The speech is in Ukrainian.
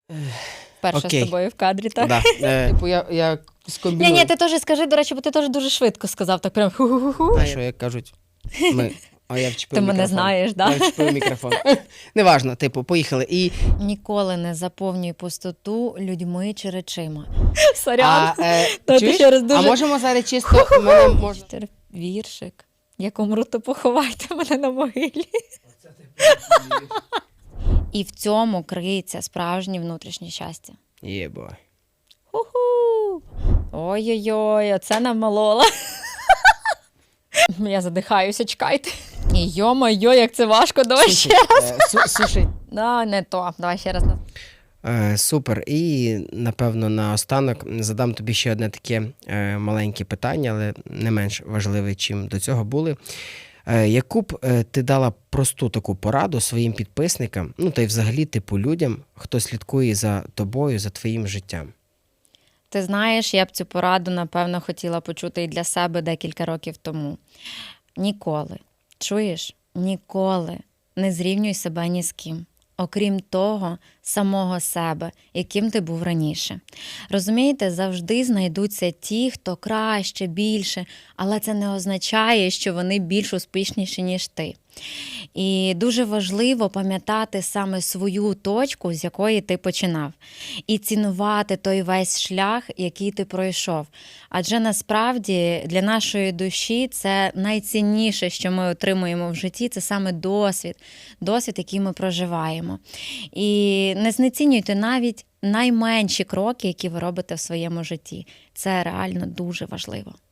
Вперше з тобою в кадрі, так? Да. Типу я скомбіную. Ні, ти теж скажи, до речі, бо ти теж дуже швидко сказав, так прям ху-ху-ху. А що, як кажуть, ми... А я вчепив Ти мікрофон. мене знаєш, так? Я вчепив мікрофон. Неважно, типу, поїхали. І... Ніколи не заповнюй пустоту людьми чи речима. Сорян. Чуєш? Ще раз дуже... А можемо зараз чисто... Мене можна... Віршик. Як умру, то поховайте мене на могилі. І в цьому криється справжнє внутрішнє щастя. Єбой. Ху-ху! Ой-ой-ой, оце намолола. Я задихаюся, чекайте. І йо-моє, як це важко, давай ще раз. Слушай. Да, не то, давай ще раз. Супер. І, напевно, наостанок задам тобі ще одне таке маленьке питання, але не менш важливе, чим до цього були. Яку б ти дала просту таку пораду своїм підписникам, ну та й взагалі типу людям, хто слідкує за тобою, за твоїм життям? Ти знаєш, я б цю пораду, напевно, хотіла почути і для себе декілька років тому. Ніколи, чуєш, ніколи не зрівнюй себе ні з ким. Окрім того, самого себе, яким ти був раніше. Розумієте, завжди знайдуться ті, хто краще, більше, але це не означає, що вони більш успішніші, ніж ти. І дуже важливо пам'ятати саме свою точку, з якої ти починав. І цінувати той весь шлях, який ти пройшов. Адже насправді для нашої душі це найцінніше, що ми отримуємо в житті, це саме досвід, який ми проживаємо. І не знецінюйте навіть найменші кроки, які ви робите в своєму житті. Це реально дуже важливо.